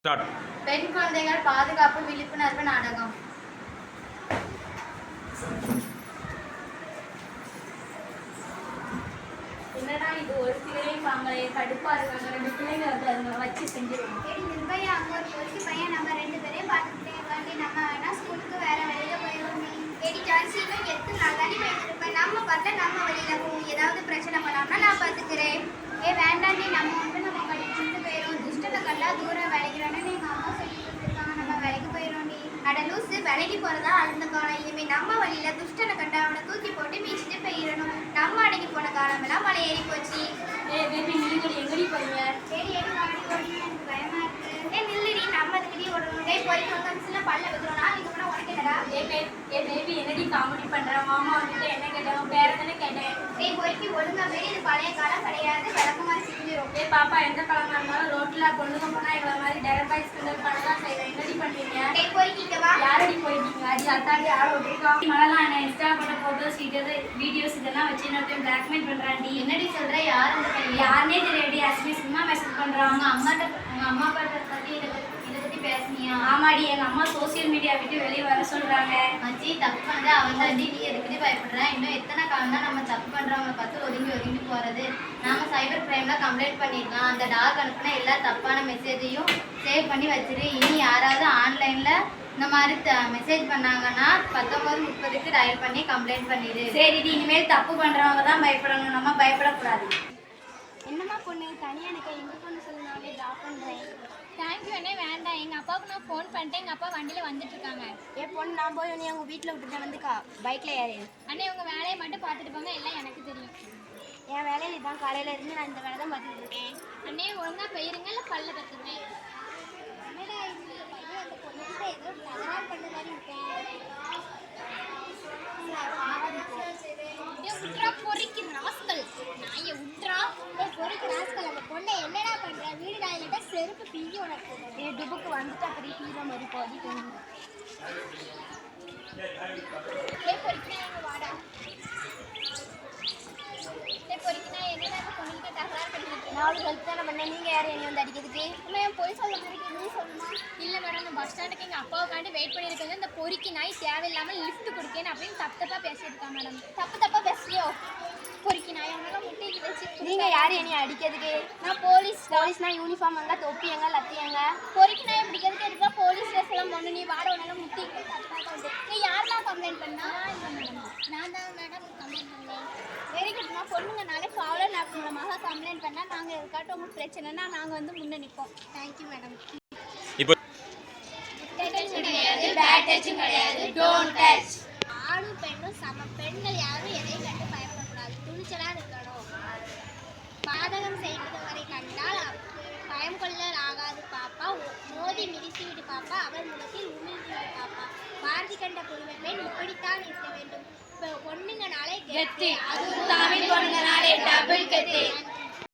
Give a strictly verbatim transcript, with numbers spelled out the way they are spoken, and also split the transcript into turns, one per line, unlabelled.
Start.
பெண் குழந்தைகள் பாதுகாப்பு விழிப்புணர்வு நாடகம். என்னடா இது, ஒரு பிள்ளையும் வாங்கலையே, கடுப்பா இருக்காங்க. ரெண்டு பிள்ளைங்க வந்து அதுங்க வச்சு செஞ்சிருவோம்.
சரி நிர்பயா, அங்கே ஒரு பொறுக்கி பையன் நம்ம ரெண்டு பேரையும் பார்த்துக்கிட்டே இருக்காண்டி நம்ம வேணா ஸ்கூலுக்கு வேற வழியில போயிடுவோம். ஏடி ஜான்சியும் எத்தனை நாள் தாண்டி போயிட்டு இருப்பேன். நம்ம பார்த்தா நம்ம வழியில போவோம். ஏதாவது பிரச்சனை பண்ணாமனா நான் பார்த்துக்கிறேன். ஏ வேண்டாண்டி, நம்ம வந்து நம்ம படிச்சுட்டு போயிடும். துஷ்டத்தை கண்டா தூரம் விளைக்கிறான்னு எங்கள் அம்மா சொல்லி கொடுத்துருக்காங்க. நம்ம வேலைக்கு போயிடும்டி. அட லூசு, வேலைக்கு போகிறதா அழுந்த காலம். இனிமேல் நம்ம வழியில துஷ்டனை கண்டா அவனை தூக்கி போட்டு மீச்சிட்டு போயிடணும். நம்ம அடங்கி போன காலமெல்லாம் மலை ஏறி போச்சு.
ஏ பேபி, நீங்கள் எங்கடி போறீங்க?
சரி ஏடி வாடி ஓடி, எனக்கு பயமா இருக்கு. ஏ நில்லுடி, நம்ம அதுக்கிட்டே ஓடணும். டே போயிட்டு ஒரு கமிஷன்ல பல்ல வைக்கிறோம். நான் இங்கே போனால் உனக்கு என்னடா?
ஏ பே ஏ பேபி, என்னடி காமெடி பண்ற? மாமா வந்துட்டு என்ன கேட்டேன், பேர தானே கேட்டேன்.
டேய் பொறுக்கி ஒழுங்கா மாரி, இது பழைய காலம் கிடையாது. விளக்கு மாதிரி செஞ்சிடும்.
ஏ பாப்பா, எந்த காலமா இருந்தாலும் ரோட்ல பொண்ணுங்க போனா எங்களை மாதிரி டேரக்ட் பாய்ஸ் பண்ணதான் செய்வேன். என்னடி பண்ணுவீங்க?
டேய் பொறுக்கிங்க வா.
யாரடி போயிருக்கீங்க? அடி அத்தாடி ஆள விட்டுருக்கா. மழலாம் என்ன இன்ஸ்டா போட்ட போட்டோஸ் வீடியோஸ் இதெல்லாம் வச்சு இன்னொருத்தையும் பிளாக்மெயில் பண்றாண்டி.
என்னடி சொல்ற? யார் இந்த பையன்?
யாருனே தெரியாடி. அஸ்மி சும்மா மெசேஜ் பண்றாங்க.
அம்மாட்ட உங்க அம்மா அப்பாட்ட பத்தி இதை பத்தி இதை பத்தி பேசுனியா?
ஆமாடி, எங்க அம்மா சோசியல் மீடியா விட்டு வெளியே வர சொல்றாங்க.
மச்சி, தப்பு பண்ணதா அவன் தாண்டி. நீ எதுக்குடி பயப்படுற? இன்னும் எத்தனை காலம் தான் நம்ம தப்பு பண்றவங்களை பார்த்து ஒதுங்கி ஒதுங்கி போறது? நாம சைபர் கிரைம்ல கம்ப்ளைண்ட் பண்ணிடலாம். அந்த டாக் அனுப்புனா எல்லா தப்பான மெசேஜையும் சேவ் பண்ணி வச்சிரு. இனி யாராவது ஆன்லைன்ல இந்த மாதிரி மெசேஜ் பண்ணாங்கன்னா பத்தொன்பது முப்பதுக்கு டயல் பண்ணி கம்ப்ளைண்ட் பண்ணிடு.
சரிடி, இனிமேல் தப்பு பண்றவங்க தான் பயப்படணும், நம்ம பயப்படக்கூடாது.
என்னம்மா பொண்ணு, தனியாக எனக்கு எங்கே பொண்ணு சொல்லி நானே ட்ராப் பண்ணுறேன்.
தேங்க்யூ அண்ணே. வேண்டாம், எங்கள் அப்பாவுக்கு நான் ஃபோன் பண்ணிட்டேன். எங்கள் அப்பா வண்டியில் வந்துட்டு இருக்காங்க.
என் பொண்ணு, நான் போய் நீ உங்கள் வீட்டில் விட்டுட்டு வந்துக்கா. பைக்கில் ஏறி
அண்ணே, உங்கள் வேலையை மட்டும் பார்த்துட்டு போங்க, எல்லாம் எனக்கு தெரியும்.
என் வேலையில் இதுதான். காலையில் இருந்து நான் இந்த வேலை தான் பார்த்துட்டு இருக்கேன்.
அண்ணே, ஒழுங்காக போயிருங்க, இல்லை பல்ல கற்றுக்குவேன்.
என்னடா இது, பையன் அந்த பொண்ணுகிட்ட ஏதோ தகராறு பண்ண மாதிரி இருக்கேன்.
உட்ரா பொறிக்கு ராஸ்கல் நாயை உட்ரா.
பொறுக்கு ராஸ்கல், அந்த பொண்ணை என்னடா பண்ணுற? வீடு நாயிலிட்ட செருப்பு பீதி உனக்கு. ஏ டுபுக்கு வந்துட்டா பெரிய பீத மாதிரி போதி.
ஏ பொறிக்கினா எங்கள் வாடா. ஏ பொறிக்கினா என்னடா அந்த பொண்ணுகிட்ட தகராறு பண்ணிட்டு
நாலு ஹெல்ப் தானே பண்ணேன். நீங்கள் யார் என்னை வந்து அடிக்கிறதுக்கு?
அம்மா, என் போய் சொல்ல மாதிரி நீ சொல்லுமா? இல்லை மேடம், நான் பஸ் ஸ்டாண்டுக்கு எங்கள் அப்பாவுக்காண்டி வெயிட் பண்ணியிருக்கேன். இந்த பொறிக்கு நாய் தேவையில்லாமல் லிஃப்ட் கொடுக்கேன்னு அப்படின்னு தப்பு தப்பாக பேசியிருக்கான் மேடம்.
தப்பு தப்பாக பேசுறியோ?
பொறிக்கு நாய் அவனால முட்டைக்கு வச்சு.
நீங்கள் யார் என்னை அடிக்கிறதுக்கு?
நான் போலீஸ்.
போலீஸ்னா யூனிஃபார்ம் எங்க, தொப்பி எங்க, லத்தி எங்க?
பொறிக்கு நாயை பிடிக்கிறதுக்கு இருக்கா போலீஸ் ட்ரெஸ் எல்லாம் பொண்ணு. நீ வாட உனால முட்டைக்கு தப்பாக வந்து நீ யாரெல்லாம் கம்ப்ளைண்ட் பண்ணா? இல்லை மேடம், நான் தான் மேடம் கம்ப்ளைண்ட் பண்ணேன். Very good. நான் பொண்ணுங்கனாலே காவலர் ஆப் மூலமாக கம்ப்ளைண்ட் பண்ணால் நாங்கள் இருக்காட்டும் உங்களுக்கு பிரச்சனைனா நாங்கள் வந்து முன்னே நிற்போம். Thank you madam.
இப்போ
கிடையாது, பேட் டச்சும் கிடையாது, டோன்ட் டச். ஆணும் பெண்ணும் சம. பெண்கள் யாரும் எதையும் கண்டு பயப்படக்கூடாது, துணிச்சலாக இருக்கணும். பாதகம் செய்தவரை கண்டால் பயம் கொள்ள ஆகாது பாப்பா. மோதி மிதித்து விடு பாப்பா, அவர் முகத்தில் உமிழ்ந்து விடு பாப்பா. பாரதி கண்ட புதுமை பெண் இப்படித்தான் இருக்க வேண்டும். பொண்ணுங்கனாலே கெத்து, அதுவும் தமிழ் பொண்ணுங்கனாலே டபுள் கெத்து.